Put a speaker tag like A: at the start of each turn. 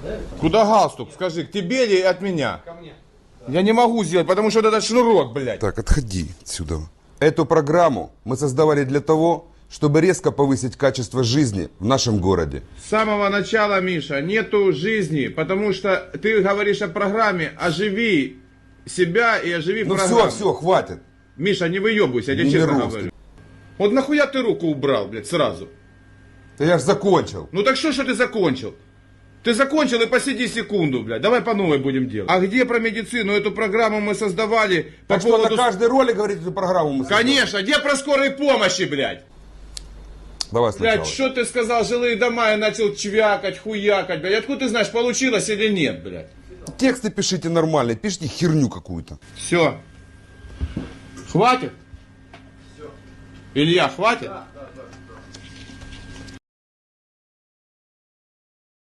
A: Куда галстук? Скажи, к тебе или от меня?
B: Ко мне.
A: Я не могу сделать, потому что вот этот шнурок, блядь.
C: Так, отходи отсюда. Эту программу мы создавали для того, чтобы резко повысить качество жизни в нашем городе.
A: С самого начала, Миша, нету жизни, потому что ты говоришь о программе, оживи себя и оживи
C: Ну
A: программу.
C: все, хватит.
A: Миша, не выебывайся, я тебе
C: Не
A: честно
C: русский.
A: говорю. Вот нахуя ты руку убрал, блядь, сразу?
C: Да я ж закончил.
A: Ну так что ты закончил? Ты закончил и посиди секунду, блядь. Давай по новой будем делать. А где про медицину? Эту программу мы создавали по
C: Так что
A: поводу...
C: на каждый ролик говорить эту программу мы создали.
A: Конечно, где про скорой помощи, блядь?
C: Давай сначала.
A: Блядь, что ты сказал, жилые дома, я начал чвякать, хуякать, блядь. Откуда ты знаешь, получилось или нет, блядь?
C: Тексты пишите нормальные, пишите херню какую-то.
A: Все. Хватит? Илья, хватит?